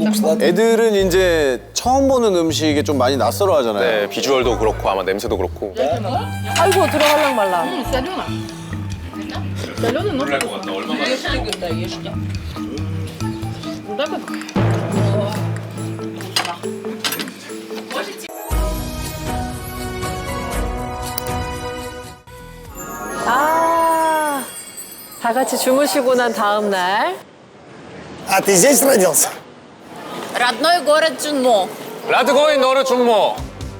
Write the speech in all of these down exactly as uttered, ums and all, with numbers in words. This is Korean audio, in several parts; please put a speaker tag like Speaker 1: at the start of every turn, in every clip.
Speaker 1: 애들은 이제 처음 보는 음식에 좀 많이 낯설어 하잖아요.
Speaker 2: 네, 비주얼도 그렇고 아마 냄새도 그렇고.
Speaker 3: 아이고 들어갈랑 말랑.
Speaker 2: 놀랄 것 같다. 얼마나.
Speaker 3: 아, 다 같이 주무시고 난 다음 날.
Speaker 4: А ты здесь родился?
Speaker 5: Родной город Джунмо.
Speaker 2: 라드고인 너르 중모.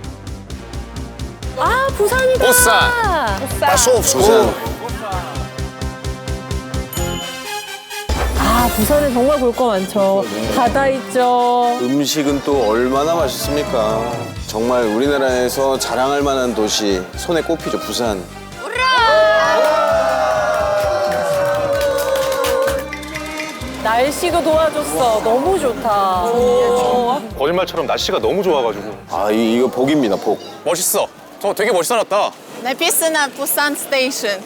Speaker 3: 아, 부산이다.
Speaker 2: 부산.
Speaker 4: Пошел в школу.
Speaker 3: 아, 부산에 정말 볼 거 많죠. 바다 있죠.
Speaker 1: 음식은 또 얼마나 맛있습니까? 정말 우리나라에서 자랑할 만한 도시 손에 꼽히죠, 부산.
Speaker 3: 날씨도 도와줬어. 너무 좋다. 오.
Speaker 2: 거짓말처럼 날씨가 너무 좋아가지고.
Speaker 1: 아, 이, 이거 복입니다, 복.
Speaker 2: 멋있어. 저 되게 멋있어졌다.
Speaker 5: Написано Пусан Station.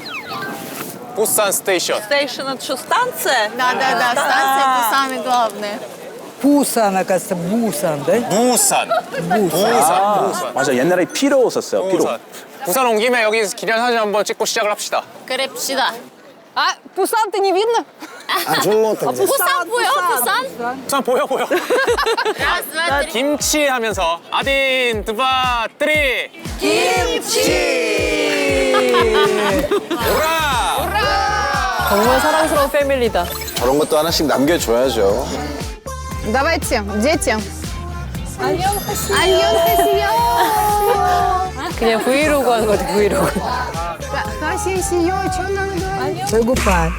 Speaker 2: 부산 스테이션.
Speaker 3: 스테이션 это что, станция?
Speaker 5: Да-да-да, станция Пусаны главная.
Speaker 6: Бусан, оказывается, Бусан, да?
Speaker 2: 부산. 부산. 부산.
Speaker 7: 맞아, 옛날에 피로 썼어요, 피로.
Speaker 2: 부산. 부산 온 김에 여기 기념 사진 한번 찍고 시작을 합시다.
Speaker 5: Крепчида.
Speaker 3: 아, 부산-то не видно?
Speaker 4: А Джунмо-то где?
Speaker 5: Пусан, поё, Пусан.
Speaker 2: 부산 보여 보여.
Speaker 5: Раз, два, три.
Speaker 2: 김치 하면서 아딘 드바 뜨리.
Speaker 3: 정말 사랑스러운 패밀리다.
Speaker 1: 저런 것도 하나씩 남겨줘야죠.
Speaker 5: Давайте, дети. 안녕 하세요.
Speaker 3: 그냥 브이로그 하는 거 같아, 브이로그.
Speaker 5: 하세요. Что надо говорить?
Speaker 6: Пегупа.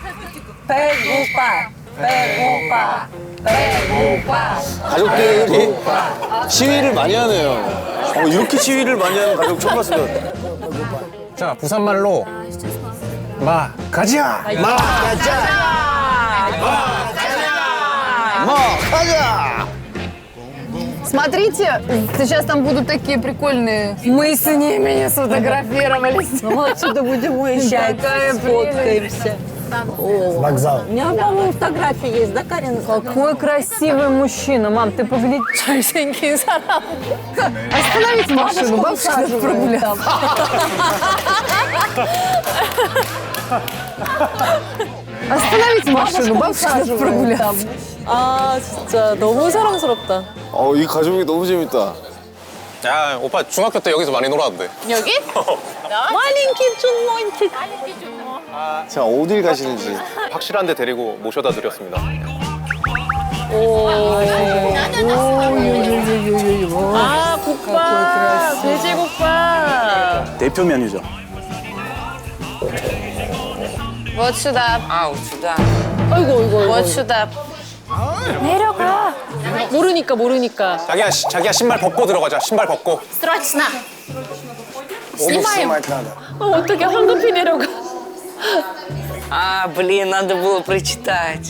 Speaker 3: 배고파, 배고파, 배고파.
Speaker 1: 가족들이 시위를 많이 하네요. 어, 이렇게 시위를 많이 하는 가족 처음 봤어요.
Speaker 2: 자, 부산말로 마 가자.
Speaker 1: 마, 가자!
Speaker 5: Смотрите, сейчас там будут такие прикольные. Мы с ними не сфотографировались.
Speaker 6: Ну, отсюда будем уезжать, сфоткаемся.
Speaker 4: Вокзал.
Speaker 6: У меня, по-моему, фотографии есть, да, Карина?
Speaker 3: Какой красивый мужчина, мам, ты погляди, 잘생긴 사람.
Speaker 5: Остановите машину, бабушка надо прогуляться. Остановите машину, бабушка надо прогуляться.
Speaker 3: 아, 진짜 너무 사랑스럽다.
Speaker 1: 어, 이 가족이 너무 재밌다.
Speaker 2: 야, 오빠 중학교 때 여기서 많이 놀았는데.
Speaker 5: 여기?
Speaker 3: 마린키 춘모인키.
Speaker 1: 자, 어딜 가시는지.
Speaker 2: 확실한 데 데리고 모셔다 드렸습니다.
Speaker 3: 아, 국밥, 돼지국밥.
Speaker 7: 대표 메뉴죠.
Speaker 5: Вот сюда.
Speaker 6: А, вот сюда.
Speaker 3: 아이고, 이거, 이거.
Speaker 5: Вот сюда.
Speaker 3: 내려가. 모르니까, 모르니까.
Speaker 2: 자기야, 시- 자기야 신발 벗고 들어가자. 신발 벗고.
Speaker 5: Срочно.
Speaker 4: Обувь снимать надо.
Speaker 3: 어, 어떻게 황급히 내려가.
Speaker 6: А, блин, надо было прочитать.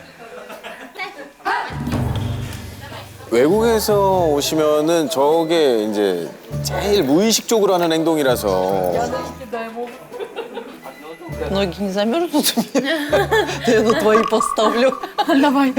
Speaker 1: 외국에서 오시면은 저게 이제 제일 무의식적으로 하는 행동이라서
Speaker 6: Ноги не замерзнут у меня? Я на твои поставлю.
Speaker 5: Давай.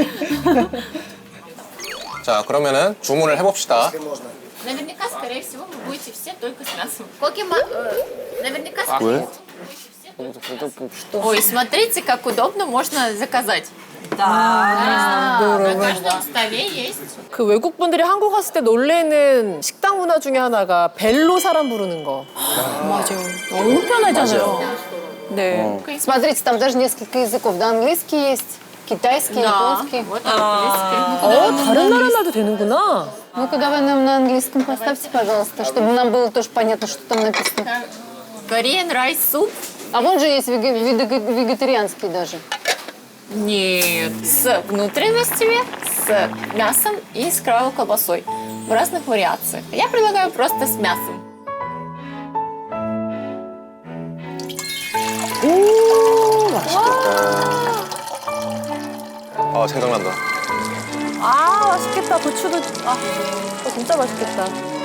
Speaker 2: 자, 그러면은 주문을 해봅시다.
Speaker 5: Наверняка, скорее всего, вы будете все только с мясом. Коки-ма... э, Наверняка, скорее всего. Ой, смотрите, как удобно можно заказать. Да, на каждом столе есть.
Speaker 3: 그 외국 분들이 한국 왔을 때 놀래는 식당 문화 중에 하나가 벨로 사람 부르는 거. 맞아요. 너무 편하잖아요. 네.
Speaker 8: Смотрите, там даже несколько языков. Да, английский есть, китайский, японский.
Speaker 5: Вот английский.
Speaker 3: 어, 다른 на라 말도 되는구나.
Speaker 8: Ну-ка, давай нам на английском поставьте, пожалуйста, чтобы нам было тоже понятно, что там написано.
Speaker 5: Korean rice soup.
Speaker 8: А вон же есть вега- вега- вегетарианский даже.
Speaker 5: Нет. С внутренностями, с мясом и с кровавой колбасой. В разных вариациях. Я предлагаю просто с мясом.
Speaker 2: 아, 생각난다.
Speaker 3: 아, 맛있겠다. 고추도. 아, 어, 진짜 맛있겠다.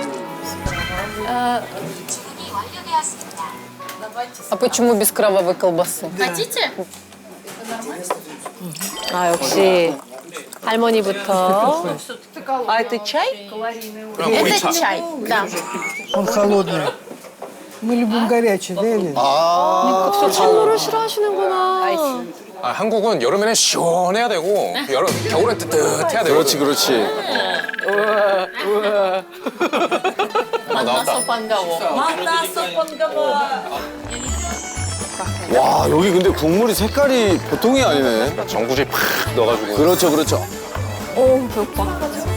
Speaker 8: А почему без кровавой колбасы?
Speaker 5: Хотите?
Speaker 3: 아, 역시 할머니부터.
Speaker 6: А это чай?
Speaker 5: Это чай, да.
Speaker 4: Он холодный. Мы любим горячий, да, Елена?
Speaker 3: 또 찬물을 싫어하시는구나.
Speaker 2: 아, 한국은 여름에는 시원해야 되고 여름 겨울엔 뜨뜻해야 되고.
Speaker 1: 그렇지, 그렇지.
Speaker 5: Манна сопангаво.
Speaker 1: 와, 여기 근데 국물이 색깔이 보통이 아니네.
Speaker 2: 전구지 팍 넣어가지고.
Speaker 1: 그렇죠, 그렇죠.
Speaker 5: О, 배고파.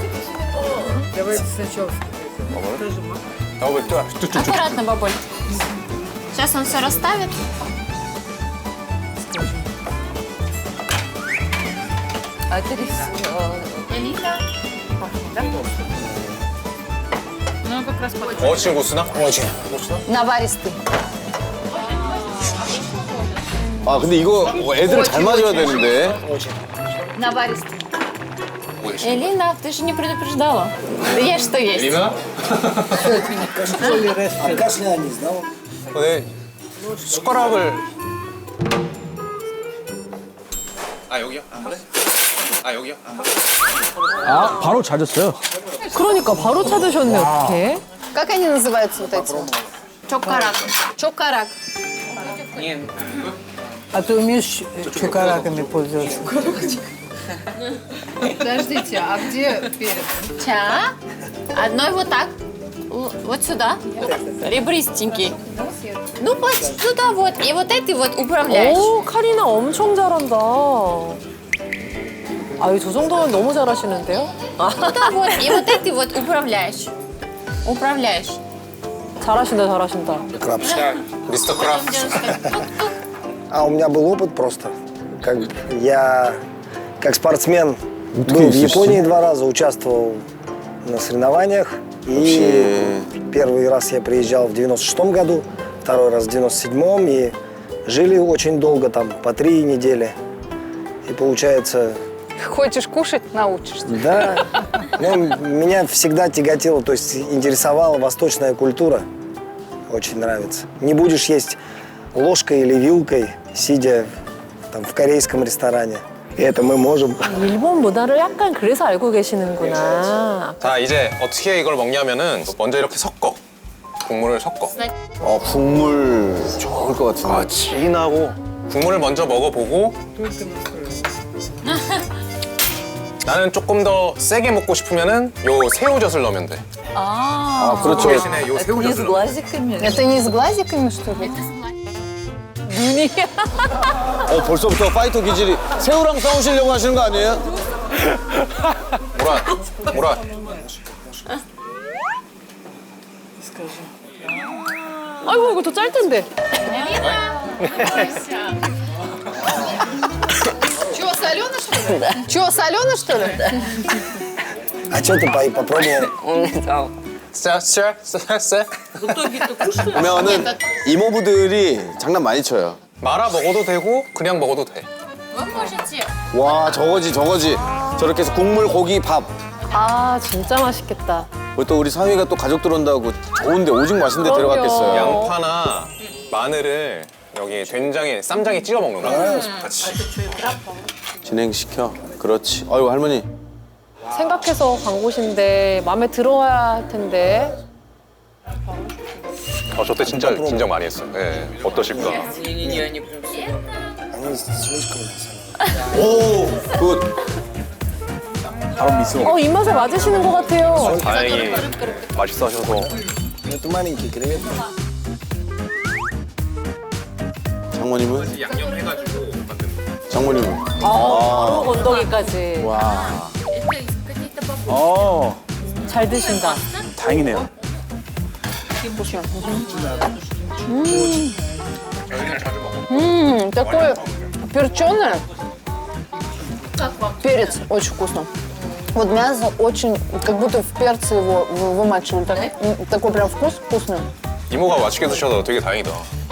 Speaker 2: 아, 왜 또? 뚝뚝뚝.
Speaker 5: Аккуратно, бабуль. Сейчас он все расставит.
Speaker 6: А это рис.
Speaker 5: Элина.
Speaker 2: Очень вкусно.
Speaker 4: Очень.
Speaker 8: Наваристый.
Speaker 1: 아, 근데 이거 애들 잘 맞아야 되는데.
Speaker 8: Наваристый.
Speaker 5: Элина, ты же не предупреждала. Ешь, что есть.
Speaker 2: 리나?
Speaker 4: А кашля анис, да?
Speaker 2: 네. 숟가락을. 아, 여기요? 아, 그래? 아, 여기요?
Speaker 7: 아, 바로 찾았어요.
Speaker 3: 그러니까 바로 찾으셨네, 어떡해.
Speaker 8: Как они называются вот эти?
Speaker 5: Чокарак.
Speaker 8: Чокарак.
Speaker 4: А ты умеешь чукараками пользоваться?
Speaker 8: Подождите, а где перец?
Speaker 5: Ча. Одной вот так. Л- Вот сюда. Ребристенький. Ну, вот сюда вот. И вот этой вот управляешь.
Speaker 3: 오, 카리나 엄청 잘한다. 아유, 저 정도면 너무 잘하시는데요? 아,
Speaker 5: Сюда вот. И вот этой вот управляешь. Управляешь.
Speaker 3: 잘하신다, 잘하신다.
Speaker 4: Крабс.
Speaker 2: 미스터
Speaker 5: Потом
Speaker 2: 크라프트.
Speaker 5: делаешь так. Тук-тук.
Speaker 4: А у меня был опыт просто. Как я, как спортсмен, был в Японии два раза, участвовал на соревнованиях. И первый раз я приезжал в девяносто шестом году, второй раз в девяносто седьмом. И жили очень долго, там, по три недели. И получается,
Speaker 8: Хочешь кушать, научишься.
Speaker 4: да, ну, меня всегда тяготило, то есть интересовала восточная культура. Очень нравится. Не будешь есть ложкой или вилкой, сидя там, в корейском ресторане. И это мы можем.
Speaker 3: 일본 문화를 약간 그래서 알고 계시는구나.
Speaker 2: 자, 이제 어떻게 이걸 먹냐면은 먼저 이렇게 섞어. 국물을 섞어.
Speaker 1: 어, 국물 좋을 것 같은데.
Speaker 7: 아, 진하고.
Speaker 2: 국물을 먼저 먹어보고 나는 조금 더 세게 먹고 싶으면은 요 새우젓을 넣으면 돼.
Speaker 1: 아, 그렇죠.
Speaker 2: 대신에 요
Speaker 6: Не с
Speaker 2: 새우젓을 넣어.
Speaker 6: глазиками?
Speaker 8: Это не с глазиками, что ли?
Speaker 3: 눈이.
Speaker 1: 어, 벌써부터 파이터 기질이. 새우랑 싸우시려고 하시는 거 아니에요?
Speaker 2: 무라, 무라.
Speaker 3: 아이고, 이거 더 짤 텐데.
Speaker 8: Чего, солено, что ли? Чего, солено, что ли?
Speaker 4: А что ты по- попробовал?
Speaker 6: Он не дал.
Speaker 2: 쎄, 쎄, 쎄, 쎄.
Speaker 1: 보면은 이모부들이 장난 많이 쳐요.
Speaker 2: 말아 먹어도 되고 그냥 먹어도 돼.
Speaker 5: Вы можете.
Speaker 1: 와, 저거지, 저거지. 저렇게 해서 국물, 고기, 밥.
Speaker 3: 아, 진짜 맛있겠다.
Speaker 1: 그리고 또 우리 사위가 또 가족 들어온다고 좋은데 오직 맛있는 데
Speaker 3: 그럼요.
Speaker 1: 들어갔겠어요.
Speaker 2: 양파나 마늘을 여기 된장에 쌈장에 찍어 먹는 거야. 같이.
Speaker 1: 진행시켜. 그렇지. 아유, 할머니.
Speaker 3: 생각해서 광고신데 마음에 들어야 할 텐데.
Speaker 2: 어, 저때 진짜 긴장 많이 했어요. 예. 어떠실까?
Speaker 6: Не-не-не, они прям все.
Speaker 4: Они слишком соленые.
Speaker 1: 오, 굿.
Speaker 7: 바로 미소.
Speaker 3: 어, 입맛에 맞으시는 것 같아요.
Speaker 2: 다행히 맛있어 하셔서.
Speaker 4: Ну, это маленькие креветки.
Speaker 1: 장모님은?
Speaker 2: 양념해가지고 만든.
Speaker 1: 장모님은?
Speaker 3: 바로 건더기까지.
Speaker 1: 와.
Speaker 5: Это из каких-то бабушек.
Speaker 7: 어,
Speaker 3: 잘 드신다.
Speaker 7: 다행이네요.
Speaker 8: М, такое перченое.
Speaker 5: Как вам?
Speaker 8: Перец очень вкусно. Вот мясо очень, как будто в перце его вы- вымачивали. Так- м, такой прям вкус вкусный.
Speaker 2: 이모가 맛있게 드셔서 되게 다행이다.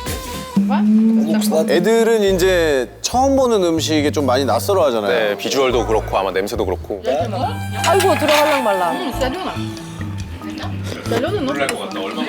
Speaker 1: 애들은 이제 처음 보는 음식에 좀 많이 낯설어 하잖아요.
Speaker 2: 네, 비주얼도 그렇고 아마 냄새도 그렇고.
Speaker 3: 아이고, 들어갈랑 말랑.
Speaker 2: 놀랄 것 같다. 얼마나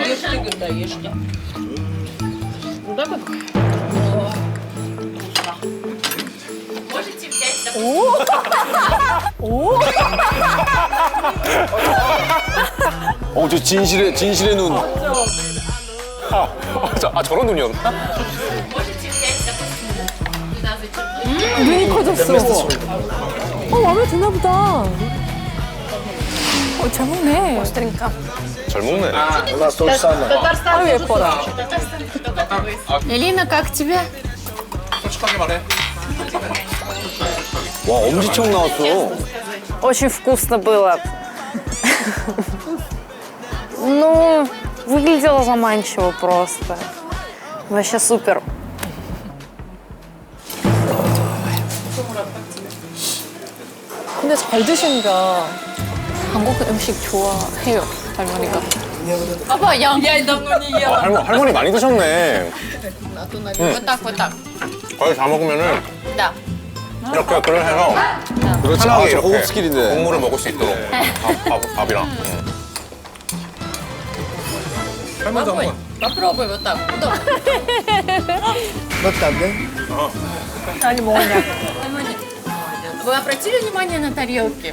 Speaker 5: Можете взять,
Speaker 1: 어, 저 진실의, 진실의 눈.
Speaker 2: 아, 저, 아 저런 눈이었나?
Speaker 5: Можете взять, допустим, туда зачерпнуть.
Speaker 3: 눈이 커졌어. 어, 마음에 드나 보다. 어, 잘 먹네.
Speaker 2: 잘 먹네.
Speaker 4: У нас то же самое.
Speaker 3: 아유, 예뻐라.
Speaker 5: Элина, как тебе?
Speaker 2: 솔직하게 말해.
Speaker 1: 와, 엄지척 나왔어.
Speaker 8: Очень вкусно было. Ну, выглядело заманчиво просто. Вообще супер.
Speaker 3: 근데 잘 드신다. 한국 음식 좋아해요, 할머니가.
Speaker 5: Папа, я.
Speaker 2: 아, 할머, 할머니 많이 드셨네.
Speaker 5: Вот так, вот так.
Speaker 2: 거의 다 먹으면은
Speaker 5: Да.
Speaker 2: 이렇게 그걸 해서
Speaker 1: 그렇지.
Speaker 2: 편하게
Speaker 1: 아, 저
Speaker 2: 이렇게
Speaker 1: 호흡 스킬인데.
Speaker 2: 국물을 먹을 수 있도록 밥, 밥, 밥이랑. 응. 할머니도
Speaker 5: Попробуй.
Speaker 2: 한번.
Speaker 5: Попробуй вот так. Удобно. Вы обратили внимание на тарелки?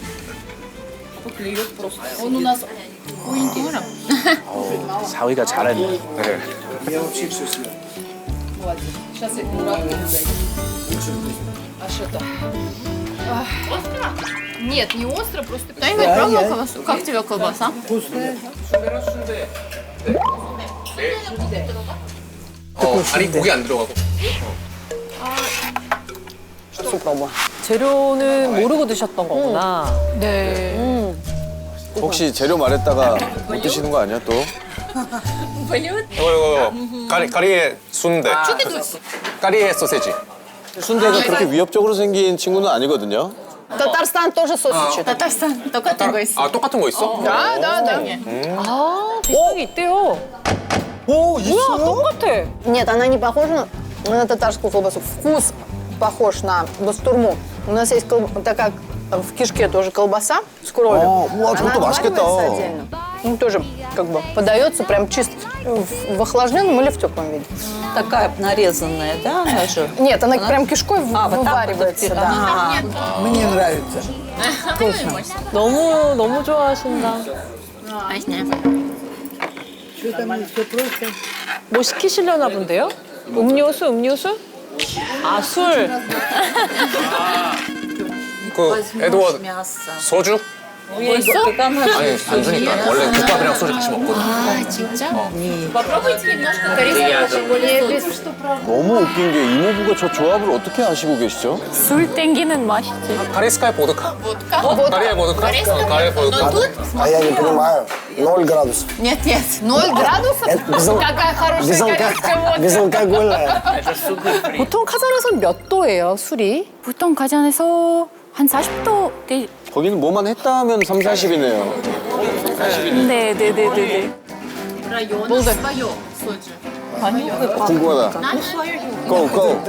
Speaker 5: Он у нас куинтура.
Speaker 7: 사위가 잘했네.
Speaker 2: 네.
Speaker 5: Нет, не остро, просто... Кто-нибудь пробовал колбасу? Как тебе колбаса?
Speaker 2: 어, 아니 고기 안 들어가고.
Speaker 3: 재료는 모르고 드셨던 거구나. 네.
Speaker 1: 혹시 재료 말했다가 못 드시는 거 아니야, 또?
Speaker 2: 이거 이거 까리 까리의 순대. 까리의 소세지.
Speaker 1: 순대가 그렇게 위협적으로 생긴 친구는 아니거든요.
Speaker 8: Татарстан тоже сосичит.
Speaker 5: Татарстан, только такой.
Speaker 2: 아 똑같은 거 있어?
Speaker 5: Да, да, да.
Speaker 3: 아, 비슷한 게 있대요.
Speaker 1: 오,
Speaker 3: 뭐야, 똑같아.
Speaker 8: Нет, она не похожа на, на татарскую колбасу. Вкус похож на бастурму. У нас есть колб... такая в кишке тоже колбаса с кровью.
Speaker 1: А, уа,
Speaker 8: Она
Speaker 1: 저것도 맛있겠다.
Speaker 8: отваривается отдельно. Ну, тоже как бы подается прям чисто в, в охлажденном или в теплом виде.
Speaker 6: Такая нарезанная, да, она же?
Speaker 8: Нет, она прям кишкой в-
Speaker 6: А, вот так вот
Speaker 8: вываривается,
Speaker 6: отпи-
Speaker 8: да.
Speaker 6: Ага.
Speaker 4: Мне нравится.
Speaker 3: 너무, 너무 좋아하신다.
Speaker 5: Вкусно.
Speaker 3: 뭐 시키시려나 본데요? 음료수, 음료수? 아, 술.
Speaker 2: 그 에드워드
Speaker 6: мясо.
Speaker 2: 소주?
Speaker 6: Есть она же.
Speaker 2: 아니 안 주니까 원래 국밥이랑 소주 같이 먹거든.
Speaker 5: А, 진짜? Попробуйте немножко корейского более соус.
Speaker 1: 너무 웃긴 게 이모부가 저 조합을 어떻게 아시고 계시죠?
Speaker 3: 술 땡기는 맛이지.
Speaker 2: 카리스카의 보드카.
Speaker 5: Водка.
Speaker 2: 카리의 보드카.
Speaker 5: Корейская
Speaker 2: 어, 카리의
Speaker 5: водка.
Speaker 2: 보드카.
Speaker 5: Но тут...
Speaker 4: А я не понимаю. Ноль градусов.
Speaker 5: Нет, нет, ноль градусов?
Speaker 4: Это безал-
Speaker 5: Какая хорошая
Speaker 4: Безалко-
Speaker 5: корейская водка.
Speaker 4: Безалкогольная.
Speaker 3: 보통 카자흐에서는 몇 도예요, 술이?
Speaker 9: 보통 가전에서 한 사십 도 돼.
Speaker 1: 거기는 뭐만 했다 하면 삼사십이네요.
Speaker 9: 네, 네, 네, 네, 네.
Speaker 5: Район свое соджу.
Speaker 1: 궁금하다. 고, 고.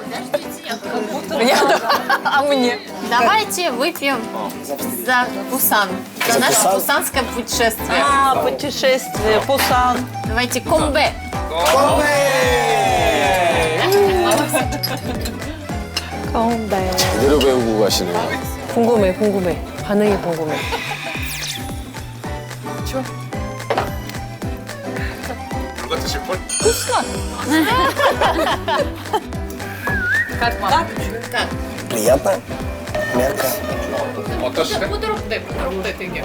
Speaker 5: Давайте выпьем за Пусан. За наше
Speaker 4: Пусан?
Speaker 5: пусанское путешествие.
Speaker 6: А, путешествие, Пусан.
Speaker 5: Давайте комбе.
Speaker 1: 제대로 배우고 가시네요.
Speaker 3: 궁금해, 궁금해. 반응이 궁금해.
Speaker 2: 누가 드실 걸?
Speaker 4: Приятно. Мягко.
Speaker 2: 어떠시대?
Speaker 5: Бутерброд, бутерброд такие.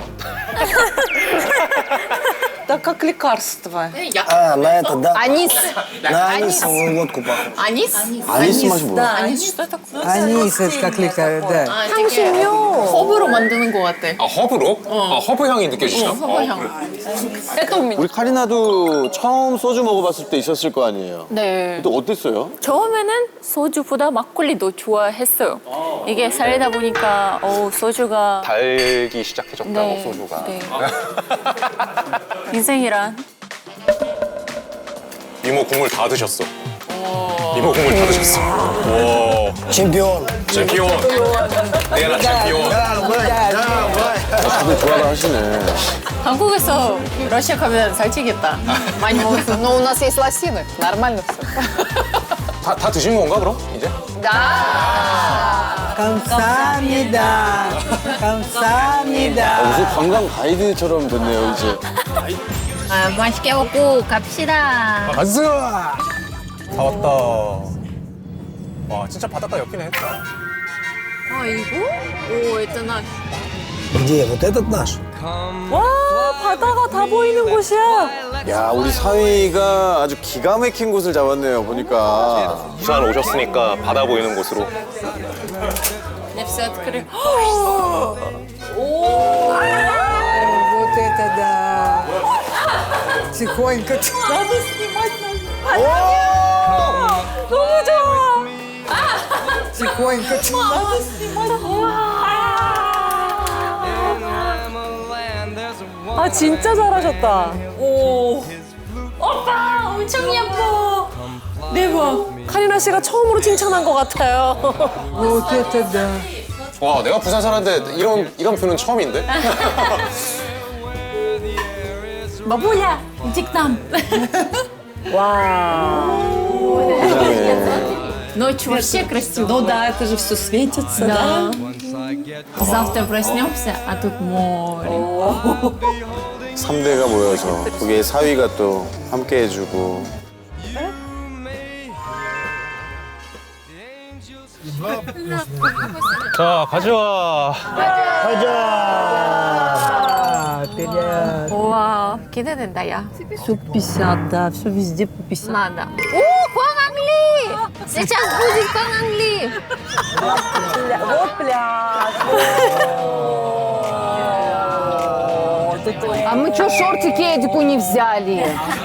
Speaker 6: Да как лекарство.
Speaker 5: Я-
Speaker 4: А, на это, да.
Speaker 8: Анис.
Speaker 4: На анисовую водку похож.
Speaker 5: Анис?
Speaker 1: 아니스 맛이 뭐야?
Speaker 5: Анис что такое?
Speaker 10: Анис, это как лекарь, да.
Speaker 5: 아, 되게 허브로 만드는 것 같아.
Speaker 2: 아 허브로? 아 허브 향이 느껴지죠?
Speaker 5: 허브 향.
Speaker 1: 우리 카리나도 처음 소주 먹어봤을 때 있었을 거 아니에요?
Speaker 9: 네.
Speaker 1: 또 어땠어요?
Speaker 9: 처음에는 소주보다 막걸리도 좋아했어요. 이게 살다 보니까 어, 소주가
Speaker 2: 달기 시작해졌다고
Speaker 9: 네,
Speaker 2: 소주가.
Speaker 9: 네. 인생이란
Speaker 2: 이모 국물 다 드셨어. 이모 국물 다 드셨어. 와.
Speaker 4: Чемпион.
Speaker 2: 챔피온. 내가 챔피온.
Speaker 1: 다들 좋아라 하시네.
Speaker 5: 한국에서 러시아 가면 살찌겠다. 많이 먹었어.
Speaker 8: Но у нас есть лосины. Нормально все.
Speaker 2: 다, 다 드신 건가 그럼 이제?
Speaker 8: Да.
Speaker 10: 감사합니다. 감사합니다.
Speaker 1: 아, 무슨 관광 가이드처럼 됐네요, 이제.
Speaker 5: 아, 맛있게 먹고 갑시다.
Speaker 2: 가즈! 다 왔다. 와, 진짜 바닷가 옆이네 했다.
Speaker 3: 아 이거? 오, 있잖아.
Speaker 4: Где? Вот этот наш?
Speaker 3: 와 바다가 다 보이는 곳이야.
Speaker 1: 야, 우리 사위가 아주 기가 막힌 곳을 잡았네요, 보니까.
Speaker 2: 부산 오셨으니까 바다 보이는 곳으로.
Speaker 3: Я все открыла.
Speaker 10: Вот это да. Тихонько.
Speaker 3: 나도 снимать надо. 너무 좋아.
Speaker 10: Тихонько.
Speaker 3: 나도 снимать. 아 진짜 잘하셨다. 오. 오빠 엄청 예뻐. 대박. 카리나 씨가 처음으로 칭찬한 것 같아요.
Speaker 10: Вот это да.
Speaker 2: 와, 내가 부산 사는데 이런 이런 표는 처음인데?
Speaker 9: Бабуля, иди к нам.
Speaker 3: 와.
Speaker 5: Ночью вообще красиво.
Speaker 6: Ну да, это же все светится, да?
Speaker 5: Завтра проснемся, а тут море.
Speaker 1: 삼 대가 모여서 거기에 사위가 또 함께 해주고.
Speaker 2: 자, 가져와.
Speaker 10: А, вперед.
Speaker 5: Вау, 기대된다, 야.
Speaker 6: Все пятьдесят, да, все везде по пятьдесят.
Speaker 5: Надо. О, Хуангли! Сейчас будет Хуангли!
Speaker 6: Вот пляж.
Speaker 8: А мы что, шортики Эдику не взяли?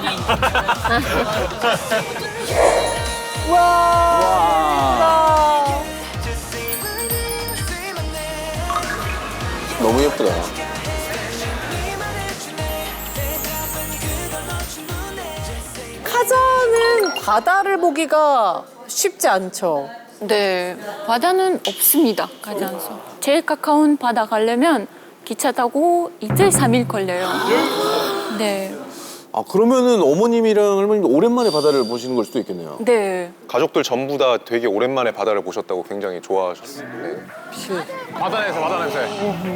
Speaker 1: 너무 예쁘다.
Speaker 3: 카자는 바다를 보기가 쉽지 않죠.
Speaker 9: 네, 바다는 없습니다. 가자안서. 제일 가까운 바다 가려면 기차 타고 이틀 삼일 걸려요. 네,
Speaker 1: 아, 그러면은 어머님이랑 할머님도 오랜만에 바다를 보시는 걸 수도 있겠네요.
Speaker 9: 네.
Speaker 2: 가족들 전부 다 되게 오랜만에 바다를 보셨다고 굉장히 좋아하셨어요. 네. 바다 냄새, 바다 냄새.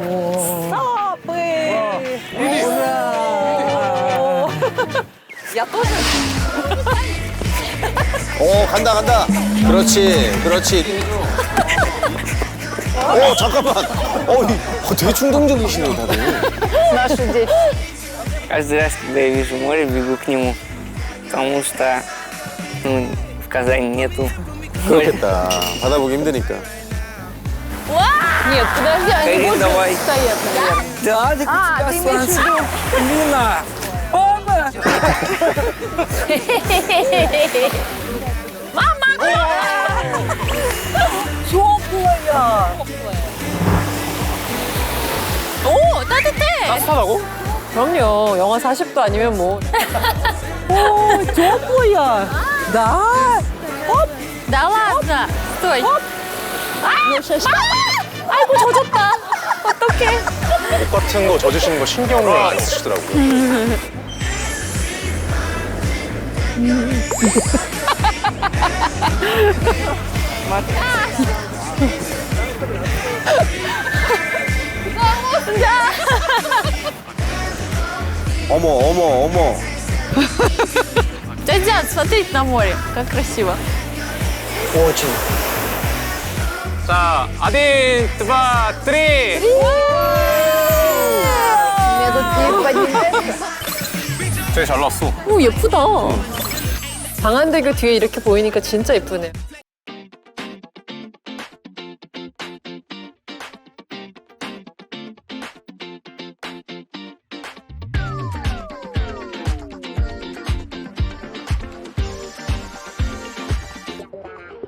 Speaker 6: Я тоже.
Speaker 1: 오, 간다, 간다. 그렇지, 그렇지. 오, 잠깐만. 어, 이- 어, 되게 충동적이시네, 다들.
Speaker 8: Наши дети.
Speaker 11: Каждый раз, когда я вижу море, бегу к нему, потому что ну, в Казани нету моря.
Speaker 1: 그렇겠다. 바다 보기 힘드니까.
Speaker 8: Нет, подожди, они
Speaker 11: Карин,
Speaker 8: больше
Speaker 11: давай.
Speaker 8: стоят, наверное.
Speaker 10: Да, так
Speaker 8: А, ты имеешь в виду?
Speaker 10: Лина. Опа.
Speaker 9: 오, 따뜻해.
Speaker 2: 따뜻하다고?
Speaker 3: 그럼요. 영하 사십 도 아니면 뭐.
Speaker 10: О, теплая. Да.
Speaker 9: Да ладно. Стой.
Speaker 3: 아이고 젖었다. 어떡해.
Speaker 2: 옷 같은 거 젖으시는 거 신경을 안 쓰시더라고요.
Speaker 1: 어머, 어머, 어머.
Speaker 9: Дядя, смотреть на море. Как красиво.
Speaker 4: Очень.
Speaker 2: 자, 아딘, 드바, 트리.
Speaker 8: У меня тут есть поддержка.
Speaker 2: 되게 잘 나왔어.
Speaker 3: 오 예쁘다. 방안대교 뒤에 이렇게 보이니까 진짜 예쁘네.